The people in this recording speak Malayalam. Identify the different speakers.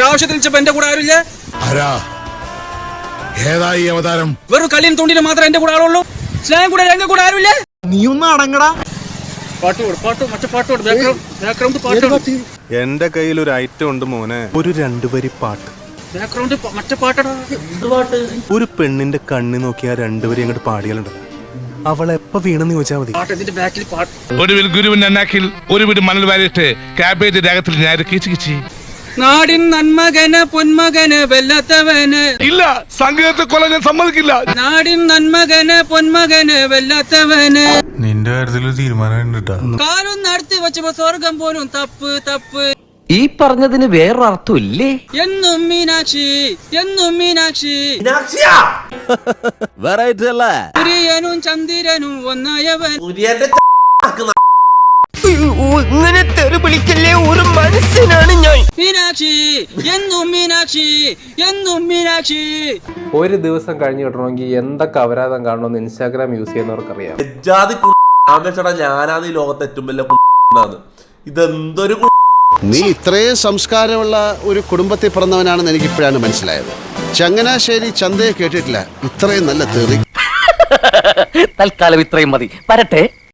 Speaker 1: ആവശ്യത്തിൽ വിളിച്ചപ്പോ എന്റെ കൂടെ ആരുമില്ല.
Speaker 2: ഏതായി അവതാരം?
Speaker 1: വെറും കളിയും തുണ്ടിലും മാത്രം എന്റെ കൂടെ ആളുള്ളൂ. സ്നേഹം കൂടെ എന്റെ കൂടെ ആരുമില്ല.
Speaker 3: നീ ഒന്ന് അടങ്ങടാ.
Speaker 4: എന്റെ കയ്യിൽ ഒരു ഐറ്റം ഉണ്ട് മോനെ, ഒരു 2 വരി പാട്ട്. ഒരു പെണ്ണിന്റെ കണ്ണി നോക്കി ആ 2 വരി അങ്ങോട്ട് പാടിയാലുണ്ടല്ലോ, അവളെ എപ്പ വീണെന്ന് ചോദിച്ചാൽ മതി.
Speaker 5: ഒടുവിൽ ഗുരുവിന്റെ അന്നാക്കിൽ ഒരു വീട് മണൽ വാരിയിട്ട് കാബേജ് രാഗത്തിൽ ഞാൻ കിച്ചി.
Speaker 1: നാടിൻ നന്മകന് പൊന്മകന് വെല്ലാത്തവന്
Speaker 5: ഇല്ല, സംഗീതത്തെ കൊല്ലാൻ ഞാൻ സമ്മതിക്കില്ല.
Speaker 1: നാടിൻ നന്മകന് പൊന്മകന് വെല്ലാത്തവന്.
Speaker 2: നിന്റെ കാര്യത്തിൽ തീരുമാനം
Speaker 1: കാലും നടത്തി വെച്ചപ്പോ സ്വർഗം പോലും തപ്പ് തപ്പ്.
Speaker 6: ഈ പറഞ്ഞതിന് വേറൊരർത്ഥം ഇല്ലേ?
Speaker 1: എന്നും മീനാക്ഷി എന്നും മീനാക്ഷി.
Speaker 6: വെറൈറ്റി അല്ലേ?
Speaker 1: സൂര്യനും ചന്ദ്രനും ഒന്നായവൻ.
Speaker 3: ഇങ്ങനെ തെറി വിളിക്കല്ലേ, ഒരു മനുഷ്യനാണ് ഞാൻ.
Speaker 1: മീനാക്ഷി എന്നും മീനാക്ഷി എന്നും മീനാക്ഷി.
Speaker 7: ഒരു ദിവസം കഴിഞ്ഞ് കിട്ടണമെങ്കിൽ എന്തൊക്കെ അപരാധം കാണണമെന്ന് ഇൻസ്റ്റാഗ്രാം യൂസ് ചെയ്യുന്നവർക്കറിയാം.
Speaker 8: ഞാനാണ് ഈ ലോകത്തെ ഏറ്റവും വലിയ ഇതെന്തൊരു.
Speaker 9: നീ ഇത്രയും സംസ്കാരമുള്ള ഒരു കുടുംബത്തിൽ പിറന്നവനാണെന്ന് എനിക്കിപ്പോഴാണ് മനസ്സിലായത്. ചങ്ങനാശ്ശേരി ചന്തയെ കേട്ടിട്ടില്ല ഇത്രയും നല്ല തെറി.
Speaker 6: തൽക്കാലം ഇത്രയും മതി. വരട്ടെ.